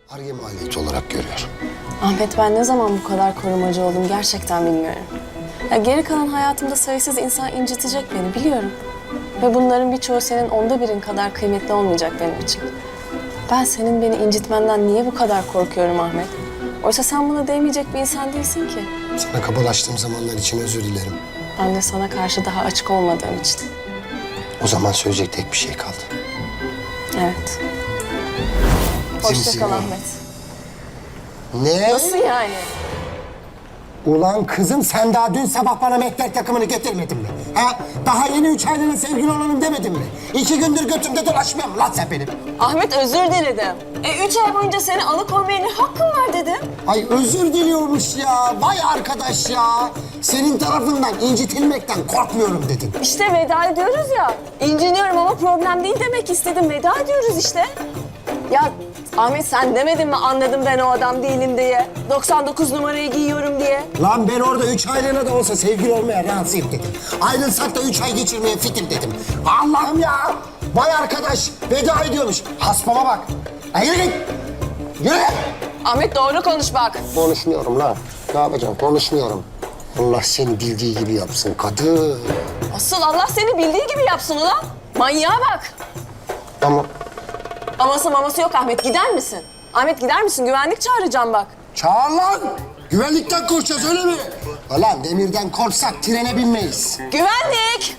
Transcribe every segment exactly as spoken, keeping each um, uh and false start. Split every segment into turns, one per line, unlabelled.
Ar-Ge maliyeti olarak görüyorum.
Ahmet, ben ne zaman bu kadar korumacı oldum gerçekten bilmiyorum. Ya geri kalan hayatımda sayısız insan incitecek beni biliyorum. Ve bunların birçoğu senin onda birin kadar kıymetli olmayacak benim için. Ben senin beni incitmenden niye bu kadar korkuyorum Ahmet? Oysa sen buna değmeyecek bir insan değilsin ki.
Sana kabalaştığım zamanlar için özür dilerim.
Ben de sana karşı daha açık olmadığım için.
O zaman söyleyecek tek bir şey kaldı.
Evet. Hoşça
Zimzim.
kal Ahmet.
Ne?
Nasıl yani?
Ulan kızım sen daha dün sabah bana mehter takımını getirmedin mi? Ha? Daha yeni üç aylığına sevgili olalım demedin mi? İki gündür götümde dolaşmıyor mu lan sen benim?
Ahmet, özür diledim. E üç ay boyunca seni alıkoymaya ne hakkım var dedim.
Ay özür diliyormuş ya. Vay arkadaş ya. Senin tarafından incitilmekten korkmuyorum dedin.
İşte veda ediyoruz ya. İnciniyorum ama problem değil demek istedim. Veda ediyoruz işte. Ya Ahmet, sen demedin mi anladım ben o adam değilim diye? doksan dokuz numarayı giyiyorum diye.
Lan ben orada üç aylığına da olsa sevgili olmaya razıyım dedim. Ayrılsak da üç ay geçirmeye fikir dedim. Allah'ım ya. Vay arkadaş veda ediyormuş. Haspama bak. Ay yürü git. Yürü.
Ahmet, doğru konuş bak.
Konuşmuyorum lan. Ne yapacağım? Konuşmuyorum. Allah seni bildiği gibi yapsın kadın.
Asıl Allah seni bildiği gibi yapsın ulan. Manyağa bak.
Ama
Aması maması yok Ahmet, gider misin? Ahmet, gider misin? Güvenlik çağıracağım bak.
çağır lan. Güvenlikten korkacağız öyle mi? Lan demirden korksak trene binmeyiz.
Güvenlik!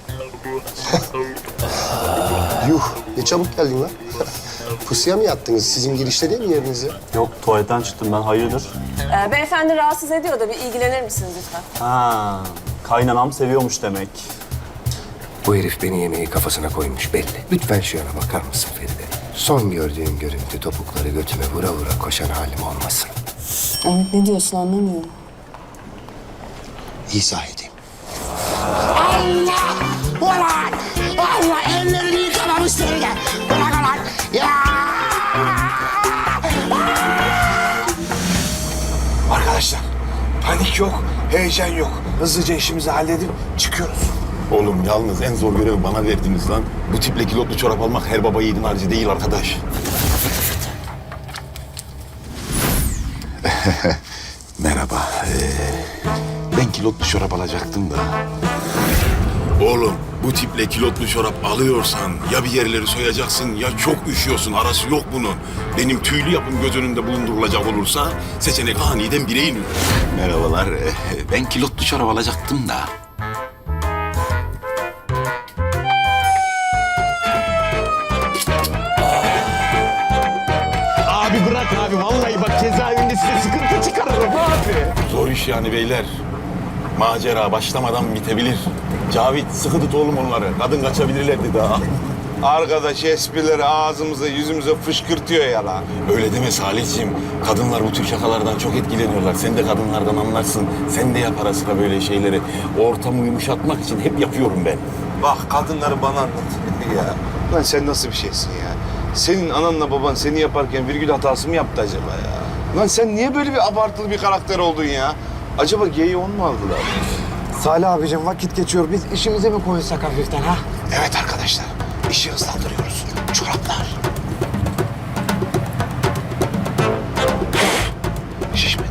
Yuh ne çabuk geldin lan. Pusuya mı yattınız? Sizin girişte değil mi yerinize?
Yok, tuvaletten çıktım ben. Hayırdır?
Ee, beyefendi rahatsız ediyor da bir ilgilenir misiniz lütfen?
Ha, kaynanam seviyormuş demek.
Bu herif beni yemeği kafasına koymuş belli. Lütfen şu yana bakar mısın Feride? Son gördüğüm görüntü topukları götüme vura vura koşan halim olmasın.
Ahmet, ne diyorsun anlamıyorum.
İzah edeyim. Allah! Ulan! Allah ellerini yıkamamış seni de. Bırak ulan! Ya!
Arkadaşlar panik yok, heyecan yok. Hızlıca işimizi halledip çıkıyoruz.
Oğlum yalnız en zor görevi bana verdiniz lan. Bu tiple kilotlu çorap almak her baba yiğidin harcı değil arkadaş. Merhaba. Ee, ben kilotlu çorap alacaktım da. Oğlum bu tiple kilotlu çorap alıyorsan ya bir yerleri soyacaksın ya çok üşüyorsun. Arası yok bunun. Benim tüylü yapım göz önünde bulundurulacak olursa seçenek aniden bire iniyor. Merhabalar. ee, Ben kilotlu çorap alacaktım da.
Abi bırak abi, vallahi bak cezaevinde size sıkıntı çıkarırım abi.
Zor iş yani beyler. Macera başlamadan bitebilir. Cavit sıkı tut oğlum onları. Kadın kaçabilirlerdi daha.
Arkadaş esprileri ağzımıza yüzümüze fışkırtıyor ya lan.
Öyle deme Salihciğim. Kadınlar bu tür şakalardan çok etkileniyorlar. Sen de kadınlardan anlarsın. Sen de yap ara sıra böyle şeyleri. Ortamı yumuşatmak için hep yapıyorum ben.
Bak kadınları bana anlat ya. Lan sen nasıl bir şeysin ya? Senin ananla baban seni yaparken virgül hatası mı yaptı acaba ya? Lan sen niye böyle bir abartılı bir karakter oldun ya? Acaba geyi on mu aldılar?
Salih abicim vakit geçiyor. Biz işimize mi koysak hafiften ha?
Evet arkadaşlar, işi hızlandırıyoruz. Çoraplar. Şişmedi.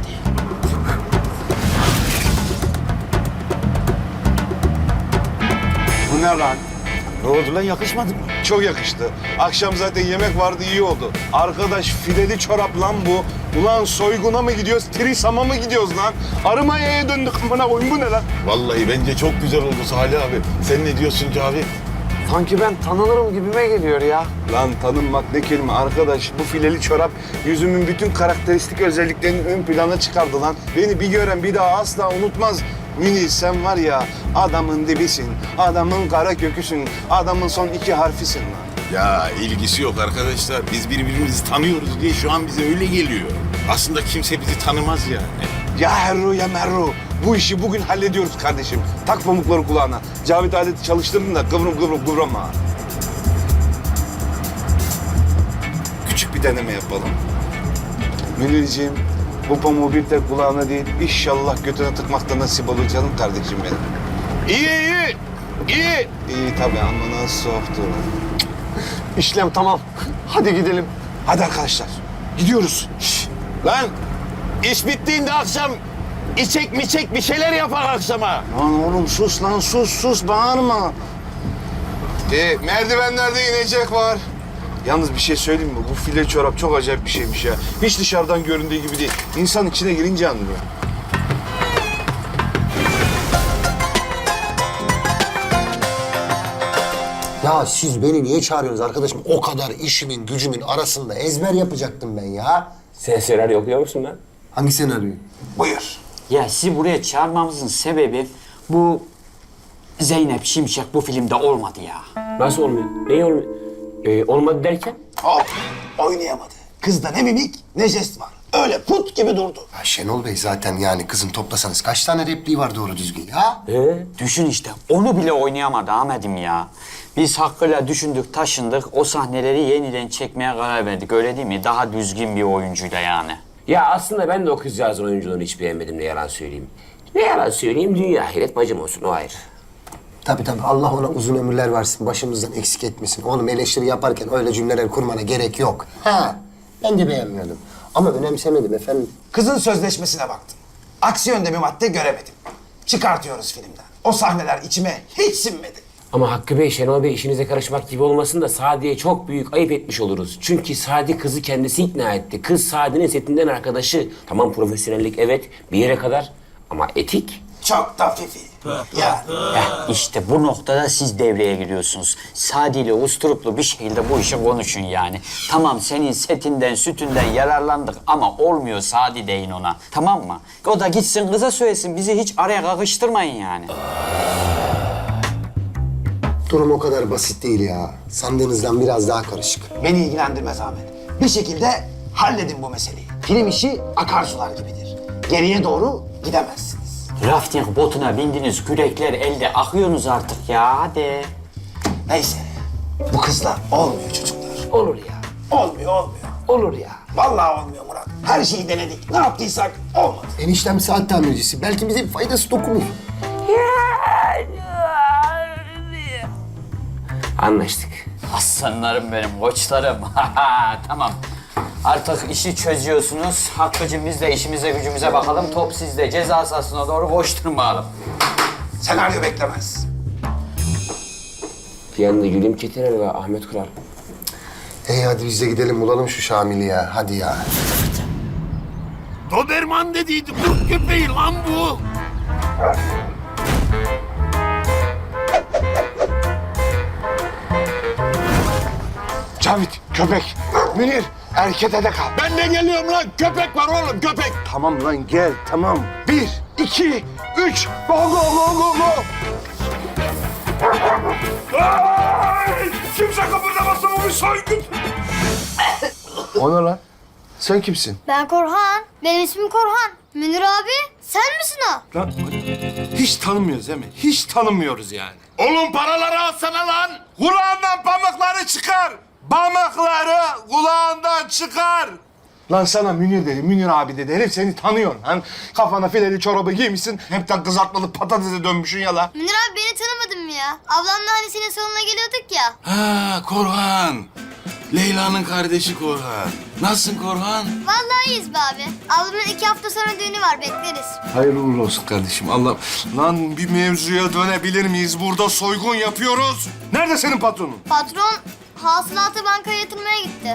Bu ne lan?
Ne oldu lan, yakışmadı mı?
Çok yakıştı. Akşam zaten yemek vardı, iyi oldu. Arkadaş fileli çorap lan bu. Ulan soyguna mı gidiyoruz, Trisam'a mı gidiyoruz lan? Arımaya'ya döndük amına koyun, bu ne lan?
Vallahi bence çok güzel oldu Salih abi. Sen ne diyorsun Cavit?
Sanki ben tanınırım gibime geliyor ya.
Lan tanınmak ne kelime arkadaş. Bu fileli çorap yüzümün bütün karakteristik özelliklerini ön plana çıkardı lan. Beni bir gören bir daha asla unutmaz. Münir sen var ya adamın dibisin, adamın kara köküsün, adamın son iki harfisin lan.
Ya ilgisi yok arkadaşlar. Biz birbirimizi tanıyoruz diye şu an bize öyle geliyor. Aslında kimse bizi tanımaz yani.
Ya herru ya merru. Bu işi bugün hallediyoruz kardeşim. Tak pamukları kulağına. Cavit aleti çalıştırdın da kıvrım kıvrım kıvrama. Küçük bir deneme yapalım. Münirciğim, bu pamuğu bir tek kulağına değil, inşallah götüne tıkmakta nasip olur canım kardeşim benim. İyi, iyi, iyi. İyi tabii ama nasıl soğuktu.
İşlem tamam. Hadi gidelim.
Hadi arkadaşlar, Gidiyoruz.
Lan iş bittiğinde akşam içek miçek bir şeyler yapar akşama.
Lan oğlum sus lan sus sus bağırma. E, merdivenlerde inecek var. Yalnız bir şey söyleyeyim mi? Bu file çorap çok acayip bir şeymiş ya. Hiç dışarıdan göründüğü gibi değil. İnsan içine girince anlıyor.
Ya siz beni niye çağırıyorsunuz arkadaşım? O kadar işimin gücümün arasında ezber yapacaktım ben ya.
Sen senaryo okuyor musun lan?
Hangi senaryo?
Buyur.
Ya sizi buraya çağırmamızın sebebi bu Zeynep Şimşek bu filmde olmadı ya.
Nasıl olmuyor? Neyi olmuyor? Ee, olmadı derken?
Hop, oynayamadı. Kızda ne mimik ne jest var. Öyle put gibi durdu.
Ya Şenol Bey zaten yani kızın toplasanız kaç tane repliği var doğru düzgün ya?
Ee?
Düşün işte onu bile oynayamadı Ahmet'im ya. Biz Hakkı'yla düşündük taşındık o sahneleri yeniden çekmeye karar verdik öyle değil mi? Daha düzgün bir oyuncuyla yani.
Ya aslında ben de o kızcağızın oyunculuğunu hiç beğenmedim ne yalan söyleyeyim. Ne yalan söyleyeyim dünya ahiret bacım olsun o ayrı.
Tabii tabii Allah ona uzun ömürler versin, başımızdan eksik etmesin. Oğlum eleştiri yaparken öyle cümleler kurmana gerek yok. Ha, ben de beğenmiyordum. Ama önemsemedim efendim.
Kızın sözleşmesine baktım. Aksi yönde bir madde göremedim. Çıkartıyoruz filmden. O sahneler içime hiç sinmedi.
Ama Hakkı Bey, Şenol Bey işinize karışmak gibi olmasın da Sadi'ye çok büyük ayıp etmiş oluruz. Çünkü Sadi kızı kendisi ikna etti. Kız Sadi'nin setinden arkadaşı. Tamam profesyonellik evet bir yere kadar ama etik.
Çok da fifi. Ya
Heh, işte bu noktada siz devreye giriyorsunuz. Sadi ile usturuplu bir şekilde bu işi konuşun yani. Tamam senin setinden, sütünden yararlandık ama olmuyor Sadi deyin ona. Tamam mı? O da gitsin kıza söylesin. Bizi hiç araya kakıştırmayın yani.
Durum o kadar basit değil ya. Sandığınızdan biraz daha karışık.
beni ilgilendirmez Ahmet. Bir şekilde halledin bu meseleyi. Film işi akarsular gibidir. Geriye doğru gidemezsiniz.
Rafting botuna bindiniz, kürekler elde akıyorsunuz artık ya hadi.
Neyse. Bu kızla olmuyor çocuklar.
Olur ya.
Olmuyor olmuyor.
Olur ya.
Vallahi olmuyor Murat. Her şeyi denedik. Ne yaptıysak olmadı.
Eniştem saat tamircisi. Belki bize bir faydası dokunur.
Anlaştık.
Aslanlarım benim, koçlarım. Tamam. Artık işi çözüyorsunuz. Hakkı'cığım biz de işimize gücümüze bakalım. Top sizde. Ceza sahasına doğru koşturmayalım.
Senaryo beklemez.
Bir yanda Gülüm Çetiner ve Ahmet Kural.
Hey hadi biz de gidelim bulalım şu Şamil'i ya. Hadi ya.
Doberman dediydi kurt köpeği lan bu.
Cavit, köpek. Münir, erkete de kal.
Ben de geliyorum lan köpek var oğlum köpek.
Tamam lan gel, tamam. Bir, iki, üç. Go, go, go, go, go.
Kimse kıpırdamasın o bir soygun.
O ne lan? Sen kimsin?
Ben Korhan. Benim ismim Korhan. Münir abi sen misin o?
Lan hiç tanımıyoruz değil mi? Hiç tanımıyoruz yani.
Oğlum paraları alsana lan. Kulağından pamukları çıkar. Pamukları kulağından çıkar.
Lan sana Münir dedi, Münir abi dedi. Herif seni tanıyor lan. Kafana fileli çorabı giymişsin. Hepten kızartmalı patatese dönmüşsün ya lan.
Münir abi beni tanımadın mı ya? Ablamla hani senin salonuna geliyorduk ya.
Ha Korhan. Leyla'nın kardeşi Korhan. Nasılsın Korhan?
Vallahi iyiyiz be abi. Ablamın iki hafta sonra düğünü var bekleriz.
Hayırlı uğurlu olsun kardeşim. Allah. Lan bir mevzuya dönebilir miyiz? Burada soygun yapıyoruz. Nerede senin patronun?
Patron hasılatı bankaya yatırmaya gitti.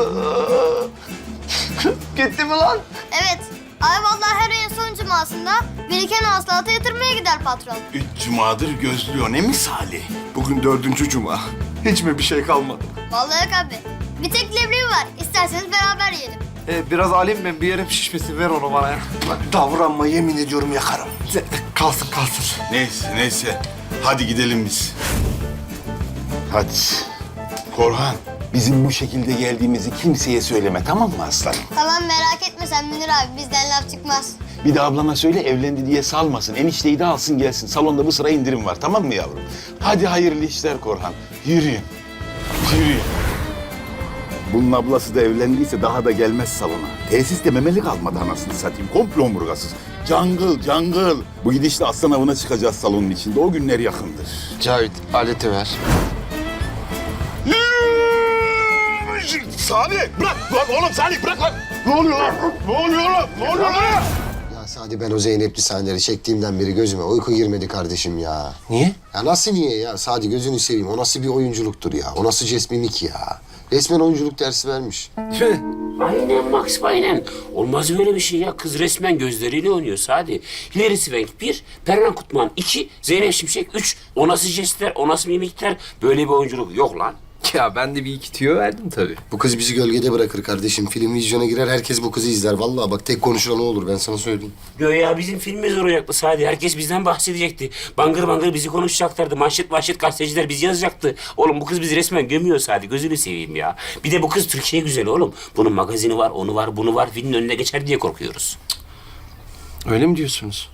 Gitti mi lan?
Evet. Ay vallahi her ayın son cumasında biriken hasılatı yatırmaya gider patron.
Üç cumadır gözlüyor ne misali?
Bugün dördüncü cuma. Hiç mi bir şey kalmadı?
Vallahi yok abi. Bir tek leblebi var. İsterseniz beraber yiyelim.
Ee, biraz alayım ben, bir yerim şişmesin. Ver onu bana ya.
Bak davranma yemin ediyorum yakarım.
Kalsın kalsın.
Neyse neyse. Hadi gidelim biz. Hadi. Korhan bizim bu şekilde geldiğimizi kimseye söyleme tamam mı aslanım?
Tamam merak etme sen Münir abi. Bizden laf çıkmaz.
Bir de ablana söyle evlendi diye salmasın. Enişteyi de alsın gelsin. Salonda bu sıra indirim var tamam mı yavrum? Hadi hayırlı işler Korhan. Yürüyün. Yürüyün. Bunun ablası da evlendiyse daha da gelmez salona. Tesiste memeli kalmadı anasını satayım. Komple omurgasız. Cangıl, cangıl. Bu gidişle aslan avına çıkacağız salonun içinde. O günler yakındır.
Cavit aleti ver.
Salih bırak lan oğlum Salih bırak lan. Ne oluyor lan? Ne oluyor lan? Ne oluyor lan?
Ya Sadi ben o Zeynep'li sahneleri çektiğimden beri gözüme uyku girmedi kardeşim ya.
Niye?
Ya nasıl niye ya? Sadi gözünü seveyim. O nasıl bir oyunculuktur ya? O nasıl cesmimik ya? Resmen oyunculuk dersi vermiş.
Aynen Max, aynen. Olmaz böyle bir şey ya. Kız resmen gözleriyle oynuyor Sadi. Hilary Swank bir, Perran Kutman iki, Zeynep Şimşek üç. O nasıl jestler, o nasıl mimikler? Böyle bir oyunculuk yok lan.
Ya ben de bir iki tüyo verdim tabii.
Bu kız bizi gölgede bırakır kardeşim. Film vizyona girer, herkes bu kızı izler. Vallahi bak tek konuşulan o olur, ben sana söyleyeyim.
Göya bizim filmimiz olacaktı Sadi. Herkes bizden bahsedecekti. Bangır bangır bizi konuşacaklardı. Manşet manşet gazeteciler bizi yazacaktı. Oğlum bu kız bizi resmen gömüyor Sadi. Gözünü seveyim ya. Bir de bu kız Türkiye güzeli oğlum. Bunun magazini var, onu var, bunu var. Filmin önüne geçer diye korkuyoruz.
Öyle mi diyorsunuz?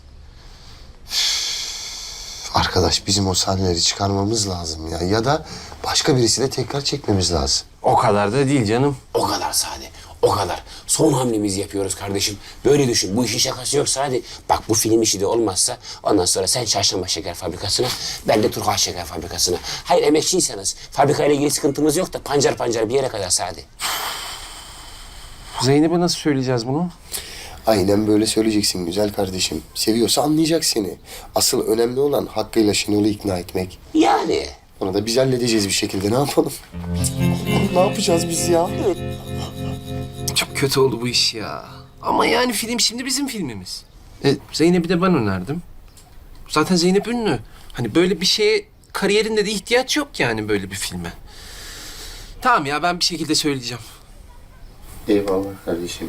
Arkadaş bizim o sahneleri çıkarmamız lazım ya. Ya da başka birisiyle tekrar çekmemiz lazım.
O kadar da değil canım.
O kadar Sadi. O kadar. Son hamlemizi yapıyoruz kardeşim. Böyle düşün. Bu işin şakası yok Sadi. Bak bu film işi de olmazsa ondan sonra sen Çarşamba Şeker Fabrikası'na, ben de Turhal Şeker Fabrikası'na. Hayır emekçiyseniz fabrikayla ilgili sıkıntımız yok da pancar pancar bir yere kadar Sadi.
Zeynep'e nasıl söyleyeceğiz bunu?
Aynen böyle söyleyeceksin güzel kardeşim. Seviyorsa anlayacak seni. Asıl önemli olan hakkıyla Şenol'u ikna etmek.
Yani.
Onu da biz halledeceğiz bir şekilde. Ne yapalım? Ne yapacağız biz ya?
Çok kötü oldu bu iş ya. Ama yani film şimdi bizim filmimiz. E, Zeynep'i de ben önerdim. Zaten Zeynep ünlü. Hani böyle bir şeye kariyerinde de ihtiyaç yok yani böyle bir filme. Tamam ya ben bir şekilde söyleyeceğim.
Eyvallah kardeşim.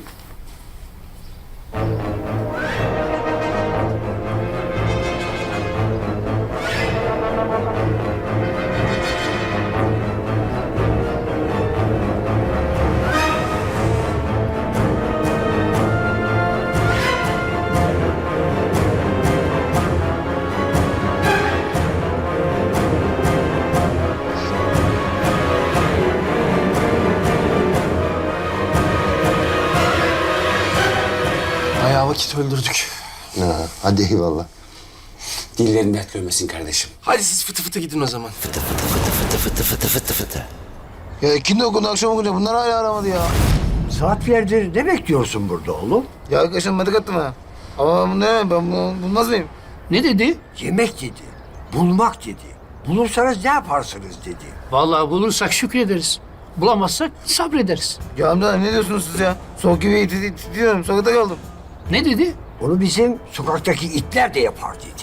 Bayağı vakit öldürdük.
Ha, hadi eyvallah.
Dillerin dert görmesin kardeşim.
Hadi siz fıtı fıtı gidin o zaman.
Fıtı fıtı fıtı fıtı fıtı fıtı fıtı fıtı.
Ya ikindi okundu, akşam okundu. Bunlar hala aramadı ya.
Saatlerdir ne bekliyorsun burada oğlum?
Ya arkadaşım medik attım ha. Ama bu ne? Ben bunu bulmaz mıyım?
Ne dedi? Yemek dedi. Bulmak dedi. Bulursanız ne yaparsınız dedi.
Vallahi bulursak şükrederiz. Bulamazsak sabrederiz.
Ya amca ne diyorsunuz siz ya? Soğuk gibi titriyorum. Sokakta kaldım.
Ne dedi?
Onu bizim sokaktaki itler de yapar dedi.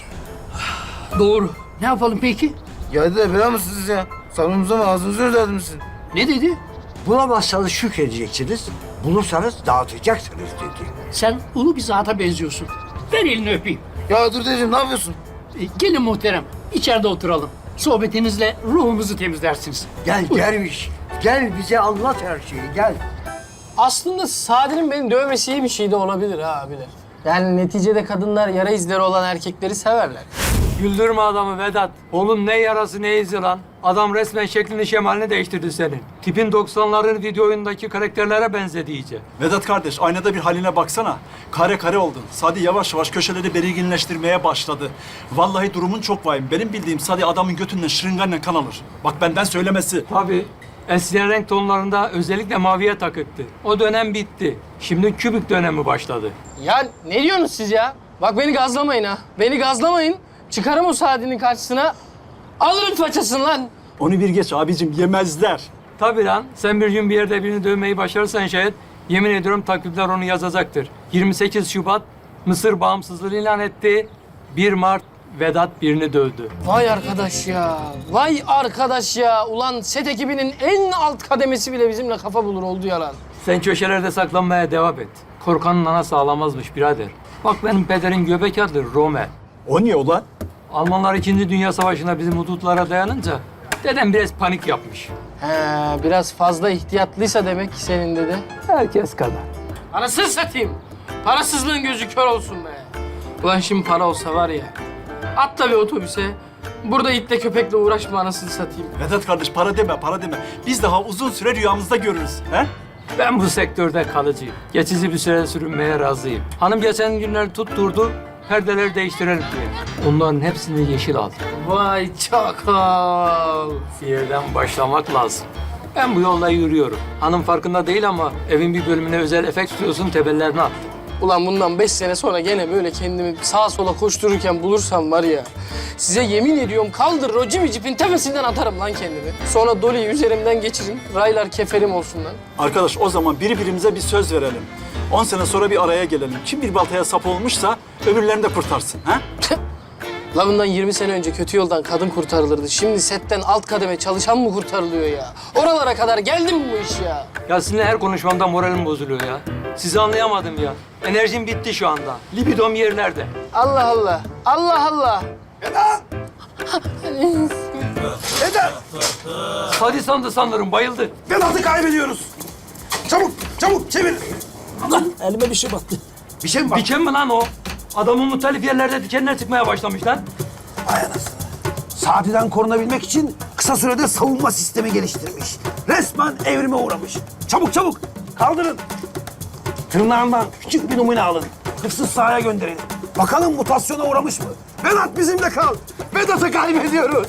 Doğru. Ne yapalım peki?
Ya dedi bela mısınız siz ya? Sabrınıza mı ağzınızı özlerdim sizin?
Ne dedi?
Bulamazsanız şükredeceksiniz. Bulursanız dağıtacaksınız dedi.
Sen ulu bir zata benziyorsun. Ver elini öpeyim.
Ya dur dedeciğim ne yapıyorsun?
E, gelin muhterem. İçeride oturalım. Sohbetinizle ruhumuzu temizlersiniz.
Gel derviş. Gel bize anlat her şeyi gel.
Aslında Sadi'nin beni dövmesi iyi bir şey de olabilir ha abiler. Yani neticede kadınlar yara izleri olan erkekleri severler.
Güldürme adamı Vedat. Oğlum ne yarası ne izi lan. Adam resmen şeklini şemalini değiştirdi senin. Tipin doksanların video oyundaki karakterlere benzedi iyice.
Vedat kardeş aynada bir haline baksana. Kare kare oldun. Sadi yavaş yavaş köşeleri belirginleştirmeye başladı. Vallahi durumun çok vahim. Benim bildiğim Sadi adamın götünden şırıngayla kan alır. Bak benden söylemesi.
Tabii. Eskiden renk tonlarında özellikle maviye takıktı. O dönem bitti. Şimdi kübik dönemi başladı.
Ya ne diyorsunuz siz ya? Bak beni gazlamayın ha. Beni gazlamayın. Çıkarım o Sadi'nin karşısına. Alırım façasını lan.
Onu bir geç abicim yemezler.
Tabii lan. Sen bir gün bir yerde birini dövmeyi başarırsan şayet yemin ediyorum takvimler onu yazacaktır. yirmi sekiz Şubat Mısır bağımsızlığını ilan etti. bir Mart Vedat birini dövdü.
Vay arkadaş ya. Vay arkadaş ya. Ulan set ekibinin en alt kademesi bile bizimle kafa bulur oldu ya lan.
Sen köşelerde saklanmaya devam et. Korkanın anası ağlamazmış birader. Bak benim pederin göbek adı Rommel.
O niye ulan?
Almanlar İkinci Dünya Savaşı'nda bizim hudutlara dayanınca dedem biraz panik yapmış.
He, biraz fazla ihtiyatlıysa demek ki senin dede.
Herkes kadar.
Anasını satayım. Parasızlığın gözü kör olsun be. Ulan şimdi para olsa var ya. Atla bir otobüse. Burada itle köpekle uğraşma anasını satayım.
Vedat kardeş para deme para deme. Biz daha uzun süre rüyamızda görürüz. He?
Ben bu sektörde kalıcıyım. Geçici bir süre sürünmeye razıyım. Hanım geçen günler tutturdu, perdeleri değiştirelim diye. Onların hepsini yeşil aldım.
Vay çakal.
Bir yerden başlamak lazım. Ben bu yolda yürüyorum. Hanım farkında değil ama evin bir bölümüne özel efekt stüdyosunun temellerini attım.
Ulan bundan beş sene sonra gene böyle kendimi sağa sola koştururken bulursam var ya... Size yemin ediyorum kaldırır o Jimmy Jeep'in tepesinden atarım lan kendimi. Sonra Dolly'yi üzerimden geçirin. Raylar keferim olsun lan.
Arkadaş o zaman birbirimize bir söz verelim. On sene sonra bir araya gelelim. Kim bir baltaya sap olmuşsa öbürlerini de kurtarsın. Ha?
La bundan yirmi sene önce kötü yoldan kadın kurtarılırdı. Şimdi setten alt kademe çalışan mı kurtarılıyor ya? Oralara kadar geldi mi bu iş ya?
Ya sizinle her konuşmamda moralim bozuluyor ya. Sizi anlayamadım ya. Enerjim bitti şu anda. Libidom yerlerde.
Allah Allah. Allah Allah.
Hadi sandı sanırım, bayıldı.
Vedat'ı kaybediyoruz. Çabuk, çabuk çevir.
Elime bir şey battı.
Bir şey mi var?
Diken mi lan o? Adamın muhtelif yerlerde dikenler çıkmaya başlamış lan.
Ay anasını. Sadi'den korunabilmek için kısa sürede savunma sistemi geliştirmiş. Resmen evrime uğramış. Çabuk çabuk kaldırın. Tırnağından küçük bir numune alın. Hırsız sahaya gönderin. Bakalım mutasyona uğramış mı? Vedat bizimle kal. Vedat'ı kaybediyoruz.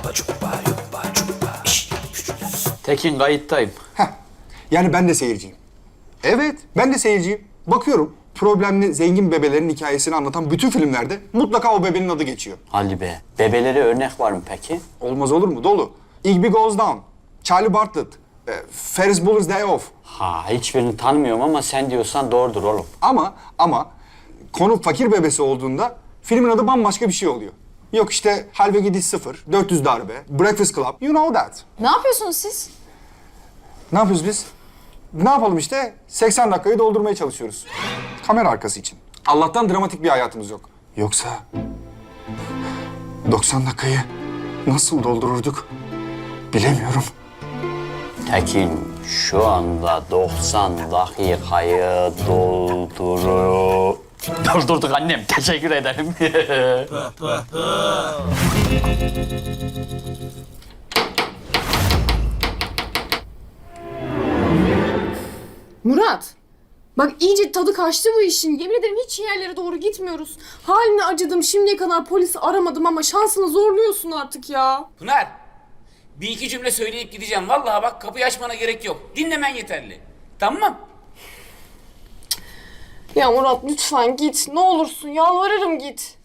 Tekin kayıttayım.
Yani ben de seyirciyim. Evet, ben de seyirciyim. Bakıyorum, problemli zengin bebelerin hikayesini anlatan bütün filmlerde mutlaka o bebenin adı geçiyor.
Hadi be. Bebelere örnek var mı peki?
Olmaz olur mu? Dolu. Igby Goes Down, Charlie Bartlett, e, Ferris Bueller's Day Off.
Ha hiçbirini tanımıyorum ama sen diyorsan doğrudur oğlum.
Ama, ama konu fakir bebesi olduğunda filmin adı bambaşka bir şey oluyor. Yok işte Halve Gidiş Sıfır, dört yüz Darbe, Breakfast Club, you know that.
Ne yapıyorsunuz siz?
Ne yapıyoruz biz? Ne yapalım işte? seksen dakikayı doldurmaya çalışıyoruz. Kamera arkası için. Allah'tan dramatik bir hayatımız yok. Yoksa doksan dakikayı nasıl doldururduk bilemiyorum.
Tekin şu anda doksan dakikayı dolduru... Doldurduk annem. Teşekkür ederim.
Murat, bak iyice tadı kaçtı bu işin. Yemin ederim hiç iyi yerlere doğru gitmiyoruz. Haline acıdım, şimdiye kadar polisi aramadım ama şansını zorluyorsun artık ya.
Pınar, bir iki cümle söyleyip gideceğim. Vallahi bak kapıyı açmana gerek yok. Dinlemen yeterli. Tamam.
Ya Murat lütfen git, ne olursun yalvarırım git.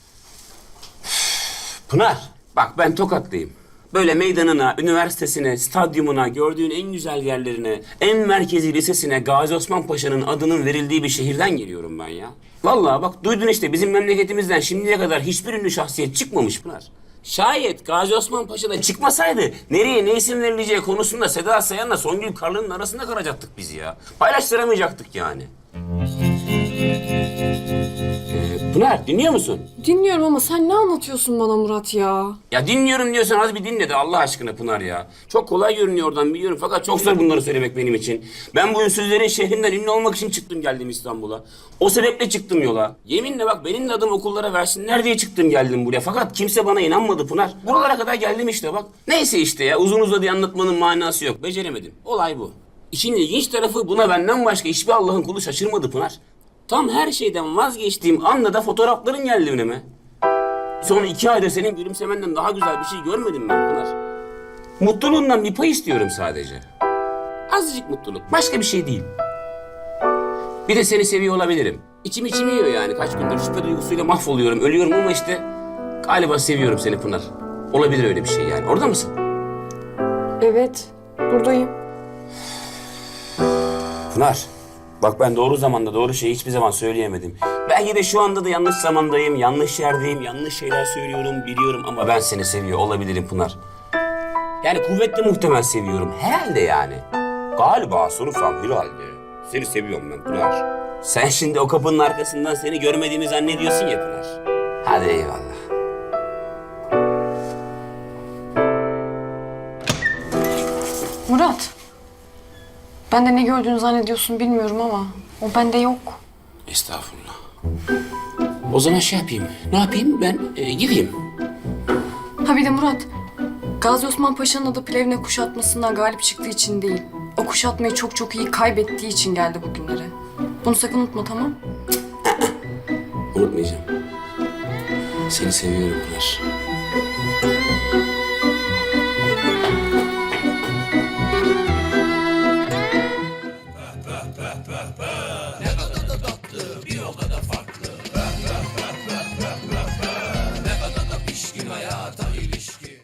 Pınar, bak ben Tokatlıyım. Böyle meydanına, üniversitesine, stadyumuna, gördüğün en güzel yerlerine, en merkezi lisesine Gazi Osman Paşa'nın adının verildiği bir şehirden geliyorum ben ya. Vallahi bak duydun işte bizim memleketimizden şimdiye kadar hiçbir ünlü şahsiyet çıkmamış Pınar. Şayet Gazi Osman Paşa'da çıkmasaydı nereye ne isim verileceği konusunda Seda Sayan'la Songül Karlı'nın arasında kalacaktık biz ya. Paylaştıramayacaktık yani. Ee, Pınar dinliyor musun?
Dinliyorum ama sen ne anlatıyorsun bana Murat ya?
Ya dinliyorum diyorsan az bir dinle de Allah aşkına Pınar ya. Çok kolay görünüyor oradan biliyorum fakat çok zor bunları söylemek benim için. Ben bu ünsüzlerin şehrinden ünlü olmak için çıktım geldim İstanbul'a. O sebeple çıktım yola. Yeminle bak benim de adım okullara versinler diye çıktım geldim buraya. Fakat kimse bana inanmadı Pınar. Buralara kadar geldim işte bak. Neyse işte ya uzun uzadıya anlatmanın manası yok. Beceremedim. Olay bu. İşin ilginç tarafı buna benden başka hiçbir Allah'ın kulu şaşırmadı Pınar. Tam her şeyden vazgeçtiğim anda da fotoğrafların geldi önüme. Son iki ayda senin gülümsemenden daha güzel bir şey görmedim ben Pınar. Mutluluğundan bir pay istiyorum sadece. Azıcık mutluluk, başka bir şey değil. Bir de seni seviyor olabilirim. İçim içim yiyor yani kaç gündür şüphe duygusuyla mahvoluyorum, ölüyorum ama işte... Galiba seviyorum seni Pınar. Olabilir öyle bir şey yani. Orada mısın?
Evet, buradayım.
Pınar, bak ben doğru zamanda doğru şeyi hiçbir zaman söyleyemedim. Belki de şu anda da yanlış zamandayım, yanlış yerdeyim, yanlış şeyler söylüyorum, biliyorum ama ben seni seviyor olabilirim Pınar. Yani kuvvetli muhtemel seviyorum, herhalde yani. Galiba sorursam herhalde. Seni seviyorum ben Pınar. Sen şimdi o kapının arkasından seni görmediğimi zannediyorsun ya Pınar. Hadi eyvallah.
Murat, ben de ne gördüğünü zannediyorsun bilmiyorum ama o bende yok.
Estağfurullah. O zaman şey yapayım, ne yapayım ben e, gideyim.
Ha bir de Murat, Gazi Osman Paşa'nın adı Plevne kuşatmasından galip çıktığı için değil. O kuşatmayı çok çok iyi kaybettiği için geldi bugünlere. Bunu sakın unutma, tamam?
Unutmayacağım. Seni seviyorum Pınar.